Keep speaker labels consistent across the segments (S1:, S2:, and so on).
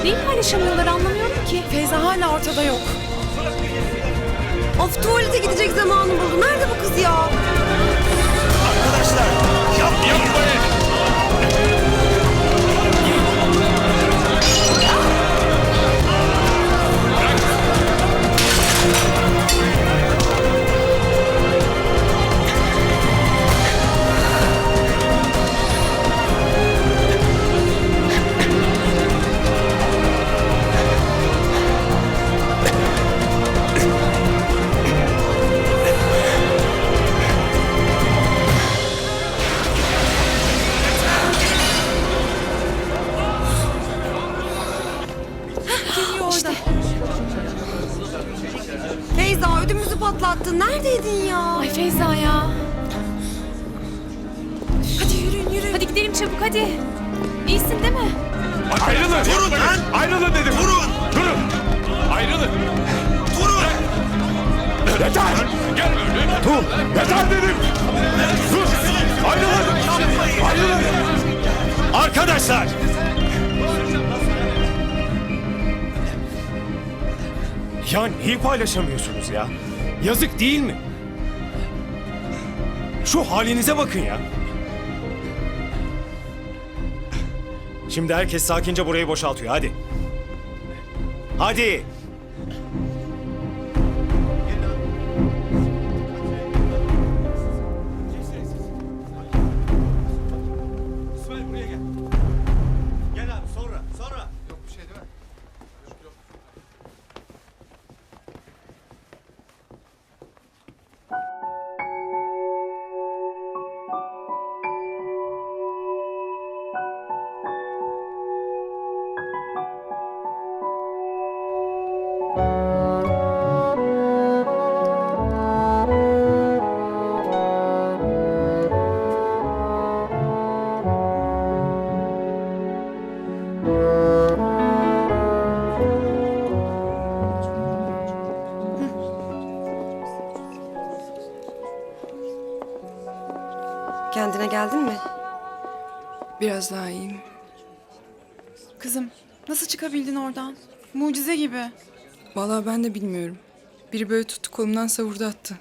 S1: Neyi paylaşamıyorlar anlamıyorum ki.
S2: Feyza hala ortada yok.
S3: Of, tuvalete gidecek zamanı buldu. Nerede bu kız ya?
S4: Arkadaşlar yapmayın.
S3: Feyza, ödümüzü patlattın. Neredeydin ya?
S1: Ay Feyza ya.
S2: Hadi yürüyün.
S1: Hadi gidelim çabuk hadi. İyisin değil mi?
S4: Ayrılın. Durun lan. Ayrılın dedim. Durun. Ayrılın. Durun. Yeter. Gel böyle. Dur. Yeter dedim. Dur. Ayrılın. Arkadaşlar. Ya neyi paylaşamıyorsunuz ya? Yazık değil mi? Şu halinize bakın ya. Şimdi herkes sakince burayı boşaltıyor. Hadi. Hadi. İsmail buraya gel. Gel abi sonra. Yok bir şey değil mi? Yok.
S3: Kendine geldin mi?
S2: Biraz daha iyiyim. Kızım, nasıl çıkabildin oradan? Mucize gibi.
S5: Vallahi ben de bilmiyorum. Biri böyle tuttu kolumdan savurdu attı.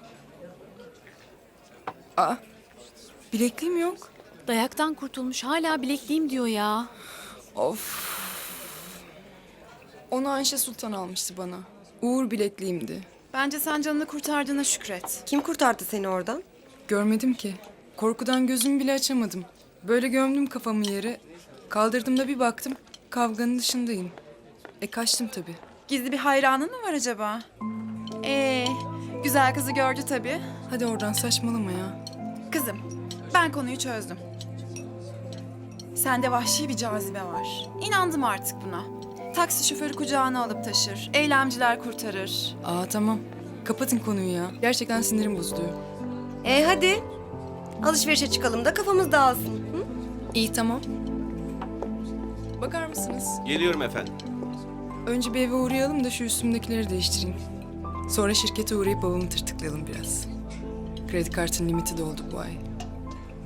S5: Aa, bilekliğim yok.
S1: Dayaktan kurtulmuş hala bilekliğim diyor ya.
S5: Of. Onu Ayşe Sultan almıştı bana. Uğur bilekliğimdi.
S2: Bence sen canını kurtardığına şükret.
S3: Kim kurtardı seni oradan?
S5: Görmedim ki. Korkudan gözümü bile açamadım. Böyle gömdüm kafamı yere. Kaldırdığımda bir baktım kavganın dışındayım. Kaçtım tabii.
S2: Gizli bir hayranın mı var acaba? Güzel kızı gördü tabii.
S5: Hadi oradan saçmalama ya.
S2: Kızım, ben konuyu çözdüm. Sende vahşi bir cazibe var. İnandım artık buna. Taksi şoförü kucağına alıp taşır. Eylemciler kurtarır.
S5: Aa tamam. Kapatın konuyu ya. Gerçekten sinirim bozuluyor.
S3: Hadi. Alışverişe çıkalım da kafamız dağılsın. Hı?
S5: İyi tamam. Bakar mısınız?
S6: Geliyorum efendim.
S5: Önce bir eve uğrayalım da şu üstümdekileri değiştireyim. Sonra şirkete uğrayıp babamı tırtıklayalım biraz. Kredi kartının limiti doldu bu ay.